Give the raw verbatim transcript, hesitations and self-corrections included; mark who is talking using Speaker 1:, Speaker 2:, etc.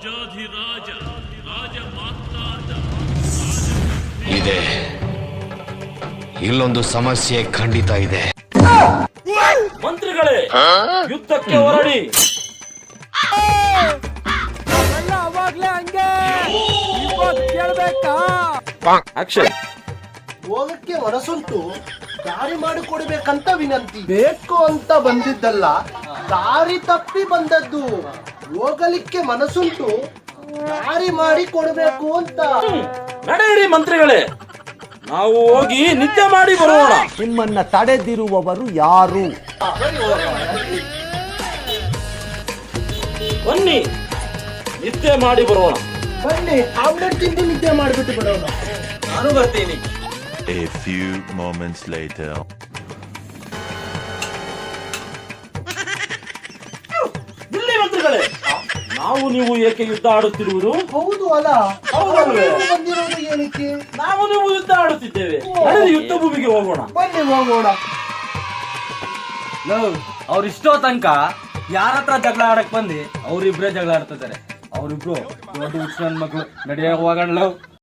Speaker 1: ರಾಜಾಧಿರಾಜ ರಾಜ ಮಾತಾದ
Speaker 2: ಇದೆ. ಇಲ್ಲೊಂದು ಸಮಸ್ಯೆ ಖಂಡಿತ ಇದೆ.
Speaker 3: ಮಂತ್ರಿಗಳೇ, ಯುದ್ಧಕ್ಕೆ ಹೊರಡಿ.
Speaker 4: ಅವಾಗ್ಲೇ ಹಂಗೆ ಕೇಳ್ಬೇಕಾ?
Speaker 3: ಆಕ್ಷನ್.
Speaker 5: ಹೋಗಕ್ಕೆ ಮನಸ್ಸುಂಟು, ದಾರಿ ಮಾಡಿಕೊಡ್ಬೇಕಂತ ವಿನಂತಿ. ಬೇಕು ಅಂತ ಬಂದಿದ್ದಲ್ಲ, ದಾರಿ ತಪ್ಪಿ ಬಂದದ್ದು. ಹೋಗಲಿಕ್ಕೆ ಮನಸ್ಸುಂಟು, ದಾರಿ ಮಾಡಿ ಕೊಡ್ಬೇಕು ಅಂತ.
Speaker 3: ನಡೆಯಿರಿ ಮಂತ್ರಿಗಳೇ, ನಾವು ಹೋಗಿ ನಿದ್ದೆ ಮಾಡಿ ಬರೋಣ.
Speaker 4: ನಿಮ್ಮನ್ನ ತಡೆದಿರುವವರು ಯಾರು?
Speaker 3: ಬನ್ನಿ, ನಿದ್ದೆ ಮಾಡಿ ಬರೋಣ.
Speaker 5: ಬನ್ನಿ, ಆಮ್ಲೆಟ್ ತಿಂದು ನಿದ್ದೆ ಮಾಡಿಬಿಟ್ಟು ಬರೋಣ.
Speaker 3: ನಾನು ಬರ್ತೀನಿ.
Speaker 6: A few moments later.
Speaker 3: ಇಲ್ಲಿ ಮಂತ್ರಿಗಳೇ, ನಾವು ನೀವು ಏಕೆ ಯುದ್ಧ ಆಡುತ್ತಿರುವುದು?
Speaker 5: ಹೌದು ಅಲ್ಲ,
Speaker 3: ಹೌದಲ್ವೇ?
Speaker 5: ಅವ್ರು ಬಂದಿರೋದು ಏನಕ್ಕೆ?
Speaker 3: ನಾವು ನೀವು ಯುದ್ಧ ಆಡುತ್ತಿದ್ದೇವೆ. ನಡೆದು ಯುದ್ಧ ಭೂಮಿಗೆ ಹೋಗೋಣ.
Speaker 5: ಬನ್ನಿ ಹೋಗೋಣ.
Speaker 7: ಅವ್ರು ಇಷ್ಟೋ ತನಕ ಯಾರ ಹತ್ರ ಜಗಳ ಆಡಕ್ ಬಂದು ಅವ್ರಿಬ್ರೇ ಜಗಳ ಆಡ್ತಿದ್ದಾರೆ. ಅವ್ರಿಬ್ರು ದೊಡ್ಡ ಹುಚ್ಚ ನನ್ ಮಕ್ಳು. ನಡೆಯ ಹೋಗೋಣ.